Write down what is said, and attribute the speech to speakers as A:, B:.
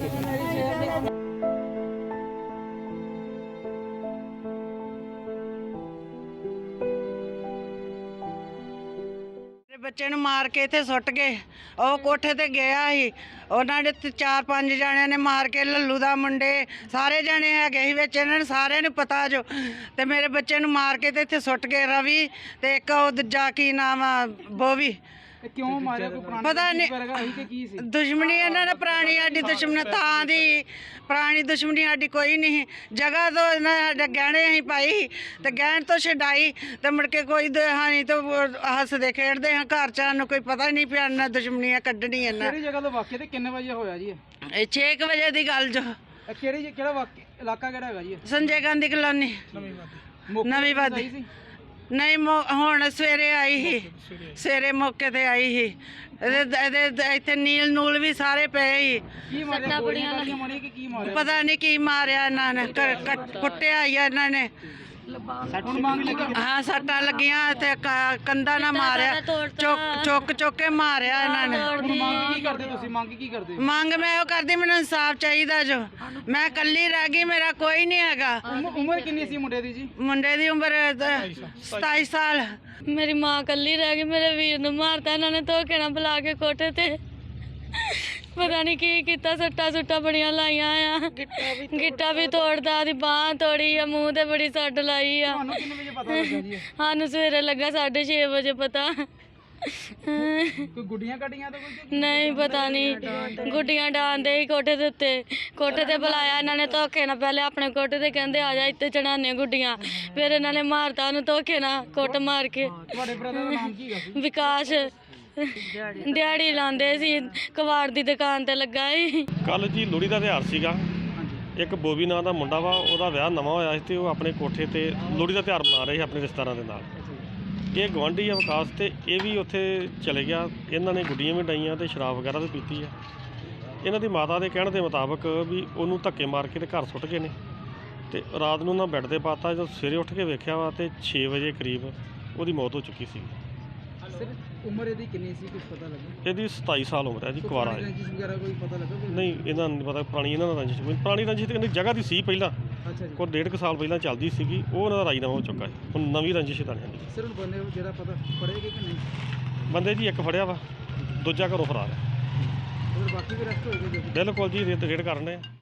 A: ਵਾਕਿਆ ਦੀ।
B: ਬੱਚੇ ਨੂੰ ਮਾਰ ਕੇ ਇੱਥੇ ਸੁੱਟ ਗਏ। ਉਹ ਕੋਠੇ ਤੇ ਗਿਆ ਸੀ, ਉਹਨਾਂ ਦੇ 4-5 ਜਣਿਆਂ ਨੇ ਮਾਰ ਕੇ, ਲੱਲੂ ਦਾ ਮੁੰਡੇ ਸਾਰੇ ਜਣੇ ਹੈਗੇ ਸੀ ਵਿੱਚ, ਇਹਨਾਂ ਨੂੰ ਸਾਰਿਆਂ ਨੂੰ ਪਤਾ ਜੋ। ਤੇ ਮੇਰੇ ਬੱਚੇ ਨੂੰ ਮਾਰ ਕੇ ਤੇ ਇੱਥੇ ਸੁੱਟ ਗਏ, ਰਵੀ ਤੇ ਇੱਕ ਉਹ ਦੂਜਾ ਕੀ ਨਾਮ ਆ, ਬੋਵੀ।
A: ਕਿਉਂ ਮਾਰਿਆ? ਕੋਈ ਪੁਰਾਣੀ
B: ਪਤਾ ਨਹੀਂ,
A: ਕਿ ਕੀ ਸੀ
B: ਦੁਸ਼ਮਣੀ ਇਹਨਾਂ ਨੇ ਪੁਰਾਣੀ, ਸਾਡੀ ਦੁਸ਼ਮਣੀ ਤਾਂ ਦੀ ਪੁਰਾਣੀ ਦੁਸ਼ਮਣੀ ਸਾਡੀ ਕੋਈ ਨਹੀਂ। ਜਗ੍ਹਾ ਤੋਂ ਇਹਨਾਂ ਸਾਡੇ ਗਹਿਣੇ ਅਸੀਂ ਪਾਈ ਤੇ ਗਹਿਣ ਤੋਂ ਛਡਾਈ ਤੇ ਮੁੜ ਕੇ ਕੋਈ ਹਾਨੀ ਤੋਂ ਹੱਸਦੇ ਖੇਡਦੇ ਹਾਂ ਘਰ ਚ, ਸਾਨੂੰ ਕੋਈ ਪਤਾ ਹੀ ਨਹੀਂ ਪਿਆ ਇਹਨਾਂ ਦੁਸ਼ਮਣੀਆਂ ਕੱਢਣੀ ਇਹਨਾਂ।
A: ਕਿਹੜੀ ਜਗ੍ਹਾ ਤੋਂ ਵਾਕਿਆ ਤੇ ਕਿੰਨੇ ਵਜੇ ਹੋਇਆ ਜੀ
B: ਇਹ 6 ਵਜੇ ਦੀ ਗੱਲ ਜੋ।
A: ਕਿਹੜਾ ਵਾਕਿਆ ਇਲਾਕਾ ਕਿਹੜਾ ਹੈਗਾ ਜੀ?
B: ਸੰਜੇ ਗਾਂਧੀ ਕਲੋਨੀ, ਨਵੀਂ ਵਾਦੀ। ਨਹੀਂ ਹੁਣ ਸਵੇਰੇ ਆਈ ਸੀ, ਸਵੇਰੇ ਮੌਕੇ ਤੇ ਆਈ ਸੀ। ਇਹਦੇ ਇੱਥੇ ਨੀਲ ਨੂਲ ਵੀ ਸਾਰੇ ਪਏ ਸੀ।
A: ਕੀ ਮਾਰਿਆ? ਗੋਲੀਆਂ ਮਾਰੀਆਂ ਕਿ ਕੀ ਮਾਰਿਆ?
B: ਪਤਾ ਨਹੀਂ ਕੀ ਮਾਰਿਆ ਇਹਨਾਂ ਨੇ, ਕੁੱਟਿਆ ਹੀ ਆ ਇਹਨਾਂ ਨੇ।
A: ਹੁਣ ਮੰਗ ਲੱਗੀ?
B: ਹਾਂ, ਸੱਟਾਂ ਲੱਗੀਆਂ ਤੇ ਕੰਧਾਂ ਨਾਲ ਮਾਰਿਆ, ਚੁੱਕ ਕੇ ਮਾਰਿਆ ਇਹਨਾਂ ਨੇ।
A: ਹੁਣ ਮੰਗ ਕੀ ਕਰਦੇ ਤੁਸੀਂ? ਮੰਗ ਕੀ ਕਰਦੇ?
B: ਮੰਗ ਮੈਂ ਉਹ ਕਰਦੀ, ਮੈਨੂੰ ਇਨਸਾਫ ਚਾਹੀਦਾ ਜੋ। ਮੈਂ ਇਕੱਲੀ ਰਹਿ ਗਈ, ਮੇਰਾ ਕੋਈ ਨਹੀਂ ਹੈਗਾ।
A: ਉਮਰ ਕਿੰਨੀ ਸੀ ਮੁੰਡੇ ਦੀ ਜੀ?
B: ਮੁੰਡੇ ਦੀ ਉਮਰ 27 ਸਾਲ।
C: ਮੇਰੀ ਮਾਂ ਇਕੱਲੀ ਰਹਿ ਗਈ, ਮੇਰੇ ਵੀਰ ਨੂੰ ਮਾਰਤਾ ਇਹਨਾਂ ਨੇ ਧੋਖੇ ਨਾਲ ਬੁਲਾ ਕੇ ਕੋਠੇ ਤੇ। ਪਤਾ ਨਹੀਂ ਕੀ ਕੀਤਾ, ਸੱਟਾਂ ਬੜੀਆਂ ਲਾਈਆਂ ਆ, ਗਿੱਟਾ ਵੀ ਤੋੜਦਾ, ਉਹਦੀ ਬਾਂਹ ਤੋੜੀ ਆ, ਮੂੰਹ ਤੇ ਬੜੀ ਸੱਟ ਲਾਈ ਆ।
A: ਤੁਹਾਨੂੰ ਕਿੰਨੇ ਵਜੇ ਪਤਾ ਲੱਗਾ ਜੀ?
C: ਸਾਨੂੰ ਸਵੇਰੇ ਲੱਗਾ 6:30 ਵਜੇ ਪਤਾ।
A: ਕੋਈ ਗੁੱਡੀਆਂ ਕੱਢੀਆਂ ਤਾਂ ਕੋਈ?
C: ਨਹੀਂ ਪਤਾ ਨਹੀਂ, ਗੁੱਡੀਆਂ ਡਾਂਦੇ ਹੀ ਕੋਠੇ ਦੇ ਉੱਤੇ। ਕੋਠੇ ਤੇ ਬੁਲਾਇਆ ਇਹਨਾਂ ਨੇ ਧੋਖੇ ਨਾਲ, ਪਹਿਲੇ ਆਪਣੇ ਕੋਠੇ ਤੇ ਕਹਿੰਦੇ ਆ ਜਾ ਇੱਥੇ ਚੜਾਉਂਦੇ ਗੁੱਡੀਆਂ, ਫਿਰ ਇਹਨਾਂ ਨੇ ਮਾਰਤਾ ਉਹਨੂੰ ਧੋਖੇ ਨਾਲ, ਕੁੱਟ ਮਾਰ ਕੇ।
A: ਤੁਹਾਡੇ ਬ੍ਰਦਰ ਦਾ ਨਾਮ ਕੀ ਹੈਗਾ?
C: ਵਿਕਾਸ ਦਿਹਾੜੀ ਲਾਉਂਦੇ ਸੀ, ਕਬਾੜ ਦੀ ਦੁਕਾਨ ਤੇ ਲੱਗਾ ਸੀ।
D: ਕੱਲ ਜੀ ਲੋਹੜੀ ਦਾ ਤਿਉਹਾਰ ਸੀਗਾ। ਇੱਕ ਬੋਬੀ ਨਾਂ ਦਾ ਮੁੰਡਾ ਵਾ, ਉਹਦਾ ਵਿਆਹ ਨਵਾਂ ਹੋਇਆ ਸੀ ਤੇ ਉਹ ਆਪਣੇ ਕੋਠੇ ਤੇ ਲੋਹੜੀ ਦਾ ਤਿਉਹਾਰ ਮਨਾ ਰਹੇ ਸੀ ਆਪਣੇ ਰਿਸ਼ਤੇਦਾਰਾਂ ਦੇ ਨਾਲ। ਇਹ ਗੁਆਂਢੀ ਆ ਵਿਕਾਸ, ਤੇ ਇਹ ਵੀ ਉੱਥੇ ਚਲੇ ਗਿਆ। ਇਹਨਾਂ ਨੇ ਗੁੱਡੀਆਂ ਵੀ ਡਾਈਆਂ ਤੇ ਸ਼ਰਾਬ ਵਗੈਰਾ ਵੀ ਪੀਤੀ ਆ। ਇਹਨਾਂ ਦੀ ਮਾਤਾ ਦੇ ਕਹਿਣ ਦੇ ਮੁਤਾਬਕ ਵੀ ਉਹਨੂੰ ਧੱਕੇ ਮਾਰ ਕੇ ਤੇ ਘਰ ਸੁੱਟ ਗਏ ਨੇ ਤੇ ਰਾਤ ਨੂੰ ਉਹਨਾਂ ਬੈੱਡ ਤੇ ਪਾਤਾ। ਜਦੋਂ ਸਵੇਰੇ ਉੱਠ ਕੇ ਵੇਖਿਆ ਵਾ ਤੇ 6 ਵਜੇ ਕਰੀਬ ਉਹਦੀ ਮੌਤ ਹੋ ਚੁੱਕੀ ਸੀ।
A: ਸਰ ਉਮਰ ਇਹਦੀ ਕਿੰਨੀ ਸੀ, ਕੁਝ ਪਤਾ ਲੱਗਾ?
D: ਇਹਦੀ 27 ਸਾਲ ਉਮਰ ਹੈ ਜੀ, ਕੁਆਰਾ ਹੈ।
A: ਰੰਜਿਸ਼ ਵਗੈਰਾ ਕੋਈ ਪਤਾ ਲੱਗਾ?
D: ਨਹੀਂ, ਇਹਨਾਂ ਨੂੰ ਨਹੀਂ ਪਤਾ ਪੁਰਾਣੀ ਇਹਨਾਂ ਦਾ ਰੰਜਿਸ਼। ਪੁਰਾਣੀ ਰੰਜਿਸ਼ ਤੇ ਜਗ੍ਹਾ ਦੀ ਸੀ ਪਹਿਲਾਂ,
A: ਅੱਛਾ ਜੀ।
D: ਕੋਈ 1.5 ਸਾਲ ਪਹਿਲਾਂ ਚੱਲਦੀ ਸੀਗੀ, ਉਹ ਉਹਨਾਂ ਦਾ ਰਾਜੀਨਾਮਾ ਹੋ ਚੁੱਕਾ ਹੈ। ਹੁਣ ਨਵੀਂ ਰੰਜਿਸ਼ ਤਾਂ ਨਹੀਂ।
A: ਸਰ ਹੁਣ ਬੰਦੇ ਜਿਹੜਾ ਪਤਾ ਫੜੇਗੇ ਕਿ ਨਹੀਂ?
D: ਬੰਦੇ ਜੀ ਇੱਕ ਫੜਿਆ ਵਾ, ਦੂਜਾ ਘਰੋਂ ਫਰਾਰ ਹੈ।
A: ਬਾਕੀ ਵੀ ਰੈਸਟ ਹੋਏਗਾ?
D: ਬਿਲਕੁਲ ਜੀ, ਰੇਡ ਕਰਨ ਰਹੇ।